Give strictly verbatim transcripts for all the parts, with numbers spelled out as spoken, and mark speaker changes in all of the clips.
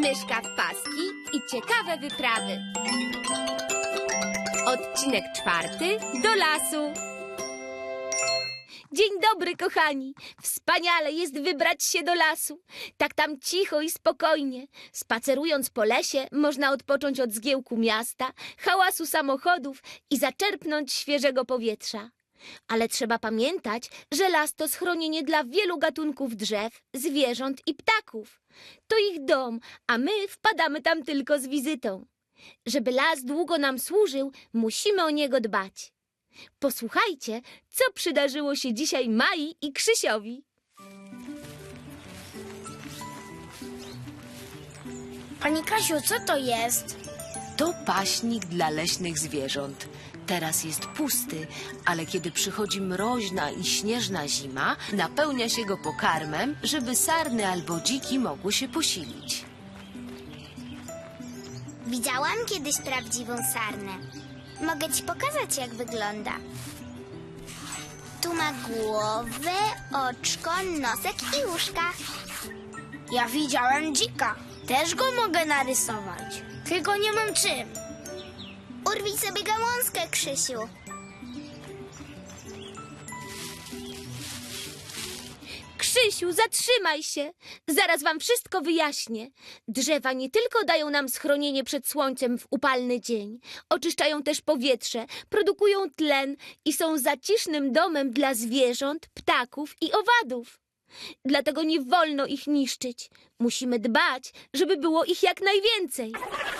Speaker 1: myszka w paski i ciekawe wyprawy. Odcinek czwarty. Do lasu. Dzień dobry, kochani. Wspaniale jest wybrać się do lasu. Tak tam cicho i spokojnie. Spacerując po lesie, można odpocząć od zgiełku miasta, hałasu samochodów i zaczerpnąć świeżego powietrza. Ale trzeba pamiętać, że las to schronienie dla wielu gatunków drzew, zwierząt i ptaków. To ich dom, a my wpadamy tam tylko z wizytą. Żeby las długo nam służył, musimy o niego dbać. Posłuchajcie, co przydarzyło się dzisiaj Mai i Krzysiowi.
Speaker 2: Pani Kasiu, co to jest?
Speaker 3: To paśnik dla leśnych zwierząt. Teraz jest pusty, ale kiedy przychodzi mroźna i śnieżna zima, napełnia się go pokarmem, żeby sarny albo dziki mogły się posilić.
Speaker 4: Widziałam kiedyś prawdziwą sarnę. Mogę ci pokazać, jak wygląda. Tu ma głowę, oczko, nosek i uszka.
Speaker 2: Ja widziałem dzika. Też go mogę narysować. Tylko nie mam czym.
Speaker 4: Urwij sobie gałązkę, Krzysiu.
Speaker 1: Krzysiu, zatrzymaj się! Zaraz wam wszystko wyjaśnię. Drzewa nie tylko dają nam schronienie przed słońcem w upalny dzień, oczyszczają też powietrze, produkują tlen i są zacisznym domem dla zwierząt, ptaków i owadów. Dlatego nie wolno ich niszczyć. Musimy dbać, żeby było ich jak najwięcej.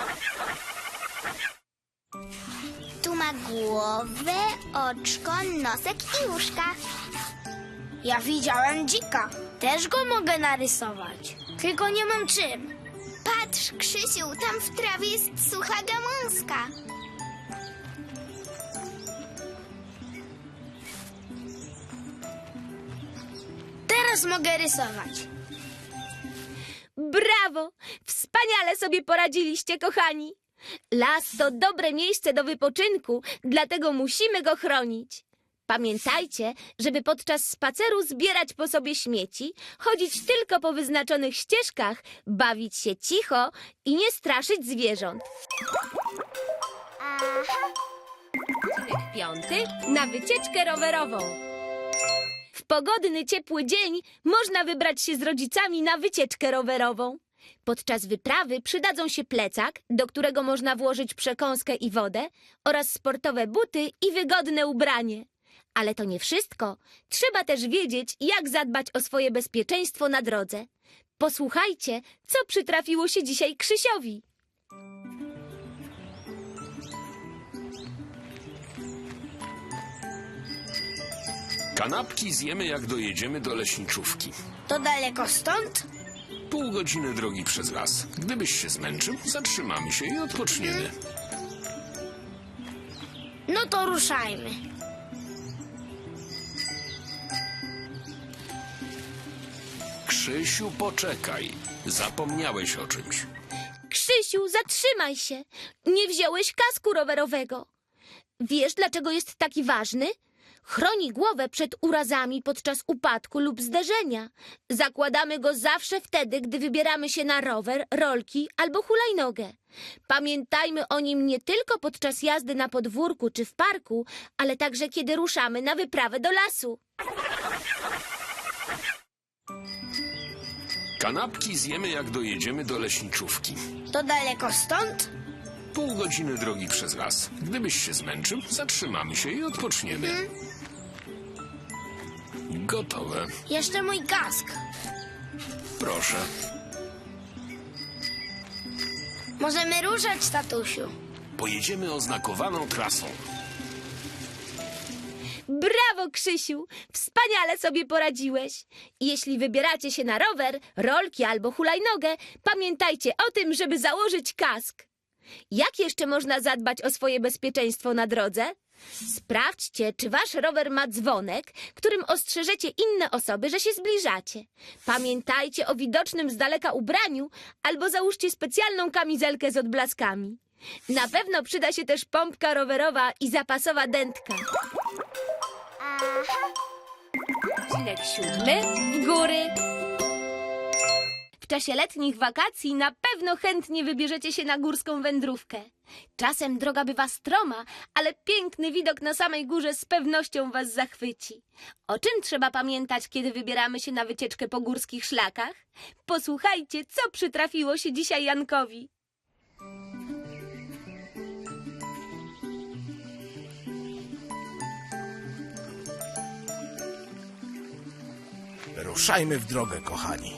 Speaker 4: Tu ma głowę, oczko, nosek i uszka.
Speaker 2: Ja widziałem dzika. Też go mogę narysować. Tylko nie mam czym.
Speaker 4: Patrz, Krzysiu, tam w trawie jest sucha gałązka.
Speaker 2: Teraz mogę rysować.
Speaker 1: Brawo! Wspaniale sobie poradziliście, kochani! Las to dobre miejsce do wypoczynku, dlatego musimy go chronić. Pamiętajcie, żeby podczas spaceru zbierać po sobie śmieci, chodzić tylko po wyznaczonych ścieżkach, bawić się cicho i nie straszyć zwierząt. Odcinek piąty. Na wycieczkę rowerową. W pogodny, ciepły dzień można wybrać się z rodzicami na wycieczkę rowerową. Podczas wyprawy przydadzą się plecak, do którego można włożyć przekąskę i wodę, oraz sportowe buty i wygodne ubranie. Ale to nie wszystko. Trzeba też wiedzieć, jak zadbać o swoje bezpieczeństwo na drodze. Posłuchajcie, co przytrafiło się dzisiaj Krzysiowi.
Speaker 5: Kanapki zjemy, jak dojedziemy do leśniczówki.
Speaker 2: To daleko stąd?
Speaker 5: Pół godziny drogi przez las. Gdybyś się zmęczył, zatrzymamy się i odpoczniemy.
Speaker 2: No to ruszajmy.
Speaker 5: Krzysiu, poczekaj. Zapomniałeś o czymś.
Speaker 1: Krzysiu, zatrzymaj się. Nie wziąłeś kasku rowerowego. Wiesz, dlaczego jest taki ważny? Chroni głowę przed urazami podczas upadku lub zderzenia. Zakładamy go zawsze wtedy, gdy wybieramy się na rower, rolki albo hulajnogę. Pamiętajmy o nim nie tylko podczas jazdy na podwórku czy w parku, ale także kiedy ruszamy na wyprawę do lasu.
Speaker 5: Kanapki zjemy, jak dojedziemy do leśniczówki.
Speaker 2: To daleko stąd?
Speaker 5: Pół godziny drogi przez las. Gdybyś się zmęczył, zatrzymamy się i odpoczniemy. Gotowe.
Speaker 2: Jeszcze mój kask.
Speaker 5: Proszę.
Speaker 2: Możemy ruszać, tatusiu.
Speaker 5: Pojedziemy oznakowaną trasą.
Speaker 1: Brawo, Krzysiu! Wspaniale sobie poradziłeś. Jeśli wybieracie się na rower, rolki albo hulajnogę, pamiętajcie o tym, żeby założyć kask. Jak jeszcze można zadbać o swoje bezpieczeństwo na drodze? Sprawdźcie, czy wasz rower ma dzwonek, którym ostrzeżecie inne osoby, że się zbliżacie. Pamiętajcie o widocznym z daleka ubraniu albo załóżcie specjalną kamizelkę z odblaskami. Na pewno przyda się też pompka rowerowa i zapasowa dętka. Odcinek siódmy. W góry. czasie letnich wakacji na pewno chętnie wybierzecie się na górską wędrówkę. Czasem droga bywa stroma, ale piękny widok na samej górze z pewnością was zachwyci. O czym trzeba pamiętać, kiedy wybieramy się na wycieczkę po górskich szlakach? Posłuchajcie, co przytrafiło się dzisiaj Jankowi.
Speaker 6: Ruszajmy w drogę, kochani.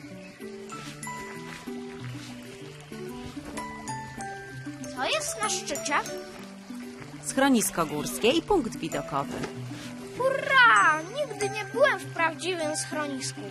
Speaker 2: Co jest na szczycie?
Speaker 7: Schronisko górskie i punkt widokowy.
Speaker 2: Hurra! Nigdy nie byłem w prawdziwym schronisku.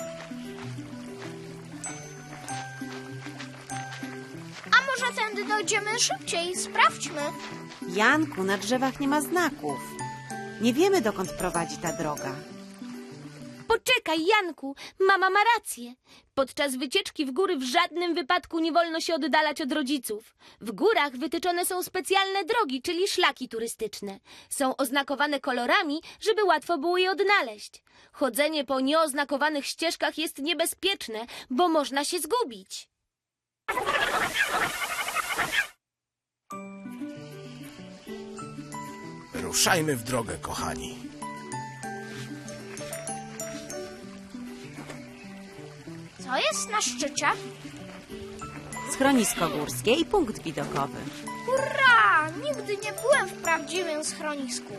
Speaker 2: A może tędy dojdziemy szybciej? Sprawdźmy.
Speaker 7: Janku, na drzewach nie ma znaków. Nie wiemy, dokąd prowadzi ta droga.
Speaker 1: Poczekaj, Janku, mama ma rację. Podczas wycieczki w góry w żadnym wypadku nie wolno się oddalać od rodziców. W górach wytyczone są specjalne drogi, czyli szlaki turystyczne. Są oznakowane kolorami, żeby łatwo było je odnaleźć. Chodzenie po nieoznakowanych ścieżkach jest niebezpieczne, bo można się zgubić.
Speaker 6: Ruszajmy w drogę, kochani.
Speaker 2: Co jest na szczycie?
Speaker 7: Schronisko górskie i punkt widokowy.
Speaker 2: Hurra! Nigdy nie byłem w prawdziwym schronisku.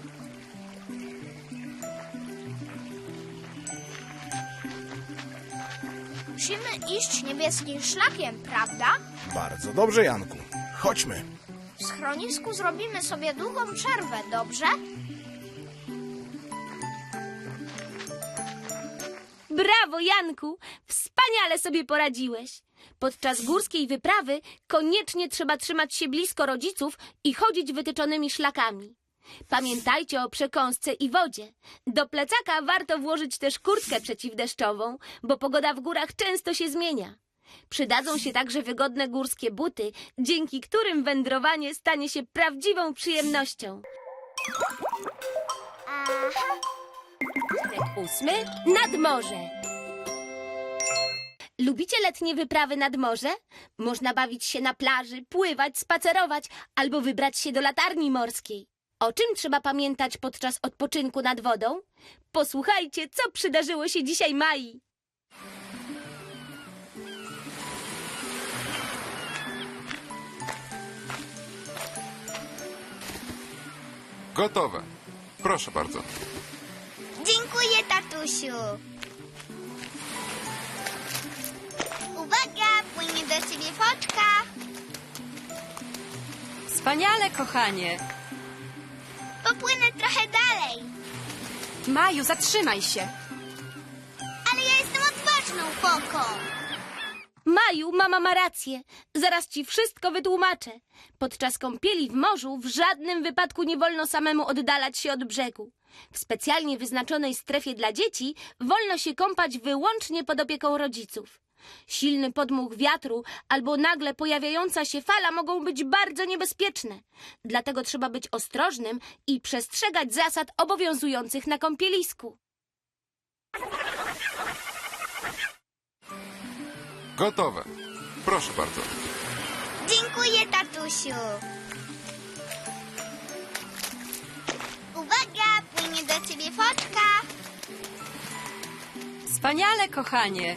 Speaker 2: Musimy iść niebieskim szlakiem, prawda?
Speaker 6: Bardzo dobrze, Janku. Chodźmy.
Speaker 2: W schronisku zrobimy sobie długą przerwę, dobrze?
Speaker 1: Brawo, Janku! Wspaniale sobie poradziłeś. Podczas górskiej wyprawy koniecznie trzeba trzymać się blisko rodziców i chodzić wytyczonymi szlakami. Pamiętajcie o przekąsce i wodzie. Do plecaka warto włożyć też kurtkę przeciwdeszczową, bo pogoda w górach często się zmienia. Przydadzą się także wygodne górskie buty, dzięki którym wędrowanie stanie się prawdziwą przyjemnością. Odcinek ósmy. Nad morze. Lubicie letnie wyprawy nad morze? Można bawić się na plaży, pływać, spacerować albo wybrać się do latarni morskiej. O czym trzeba pamiętać podczas odpoczynku nad wodą? Posłuchajcie, co przydarzyło się dzisiaj Mai.
Speaker 8: Gotowe. Proszę bardzo.
Speaker 4: Dziękuję, tatusiu. Uwaga, płynie do ciebie foczka.
Speaker 9: Wspaniale, kochanie.
Speaker 4: Popłynę trochę dalej.
Speaker 9: Maju, zatrzymaj się.
Speaker 4: Ale ja jestem odważną foką.
Speaker 1: Maju, mama ma rację. Zaraz ci wszystko wytłumaczę. Podczas kąpieli w morzu w żadnym wypadku nie wolno samemu oddalać się od brzegu. W specjalnie wyznaczonej strefie dla dzieci wolno się kąpać wyłącznie pod opieką rodziców. Silny podmuch wiatru albo nagle pojawiająca się fala mogą być bardzo niebezpieczne. Dlatego trzeba być ostrożnym i przestrzegać zasad obowiązujących na kąpielisku.
Speaker 8: Gotowe. Proszę bardzo.
Speaker 4: Dziękuję, tatusiu. Uwaga, płynie do ciebie foczka.
Speaker 9: Wspaniale, kochanie.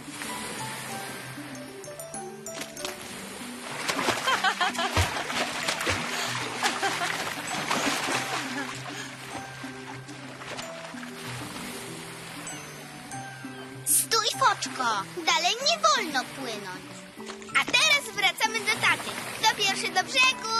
Speaker 4: Stój, foczko. Dalej nie wolno płynąć. A teraz wracamy do taty. Kto pierwszy do brzegu?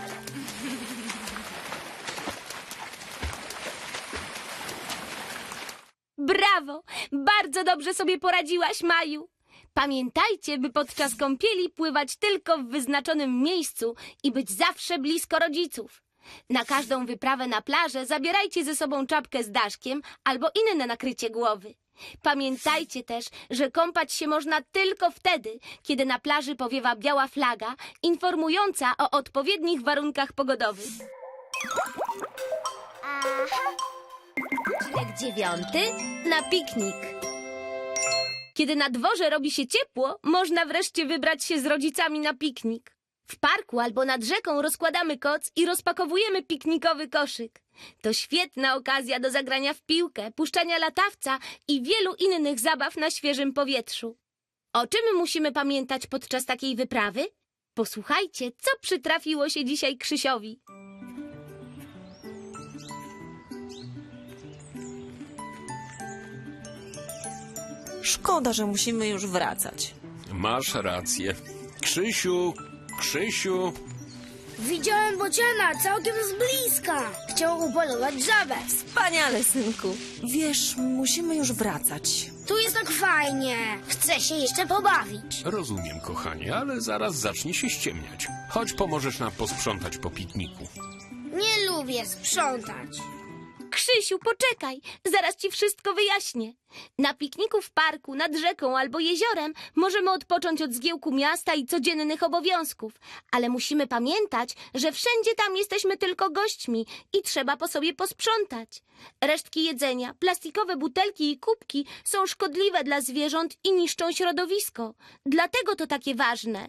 Speaker 1: Brawo! Bardzo dobrze sobie poradziłaś, Maju. Pamiętajcie, by podczas kąpieli pływać tylko w wyznaczonym miejscu i być zawsze blisko rodziców. Na każdą wyprawę na plażę zabierajcie ze sobą czapkę z daszkiem albo inne nakrycie głowy. Pamiętajcie też, że kąpać się można tylko wtedy, kiedy na plaży powiewa biała flaga informująca o odpowiednich warunkach pogodowych. Odcinek dziewiąty. Na piknik. Kiedy Kiedy na dworze robi się ciepło, można wreszcie wybrać się z rodzicami na piknik. W parku albo nad rzeką rozkładamy koc i rozpakowujemy piknikowy koszyk. To świetna okazja do zagrania w piłkę, puszczania latawca i wielu innych zabaw na świeżym powietrzu. O czym musimy pamiętać podczas takiej wyprawy? Posłuchajcie, co przytrafiło się dzisiaj Krzysiowi.
Speaker 10: Szkoda, że musimy już wracać.
Speaker 5: Masz rację. Krzysiu, Krzysiu.
Speaker 2: Widziałem bociana całkiem z bliska. Chciał upolować żabę.
Speaker 10: Wspaniale, synku. Wiesz, musimy już wracać.
Speaker 2: Tu jest tak fajnie. Chcę się jeszcze pobawić.
Speaker 5: Rozumiem, kochanie, ale zaraz zacznie się ściemniać. Chodź, pomożesz nam posprzątać po pikniku.
Speaker 2: Nie lubię sprzątać.
Speaker 1: Krzysiu, poczekaj, zaraz ci wszystko wyjaśnię. Na pikniku w parku, nad rzeką albo jeziorem możemy odpocząć od zgiełku miasta i codziennych obowiązków, ale musimy pamiętać, że wszędzie tam jesteśmy tylko gośćmi i trzeba po sobie posprzątać. Resztki jedzenia, plastikowe butelki i kubki są szkodliwe dla zwierząt i niszczą środowisko. Dlatego to takie ważne.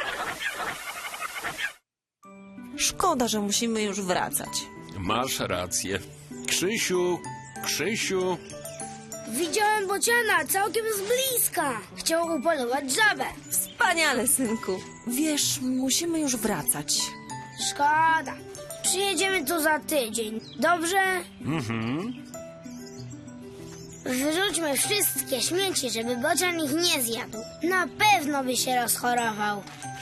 Speaker 10: Szkoda, że musimy już wracać.
Speaker 5: Masz rację. Krzysiu, Krzysiu.
Speaker 2: Widziałem bociana całkiem z bliska. Chciał upolować żabę.
Speaker 10: Wspaniale, synku. Wiesz, musimy już wracać.
Speaker 2: Szkoda. Przyjedziemy tu za tydzień. Dobrze?
Speaker 5: Mhm.
Speaker 2: Wyrzućmy wszystkie śmieci, żeby bocian ich nie zjadł. Na pewno by się rozchorował.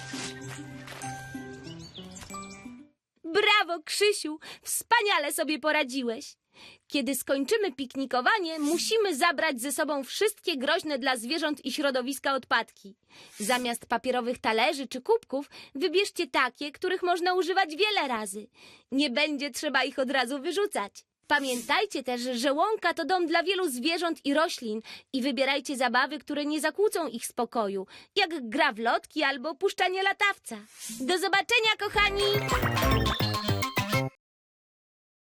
Speaker 1: Brawo, Krzysiu! Wspaniale sobie poradziłeś. Kiedy skończymy piknikowanie, musimy zabrać ze sobą wszystkie groźne dla zwierząt i środowiska odpadki. Zamiast papierowych talerzy czy kubków, wybierzcie takie, których można używać wiele razy. Nie będzie trzeba ich od razu wyrzucać. Pamiętajcie też, że łąka to dom dla wielu zwierząt i roślin i wybierajcie zabawy, które nie zakłócą ich spokoju, jak gra w lotki albo puszczanie latawca. Do zobaczenia, kochani!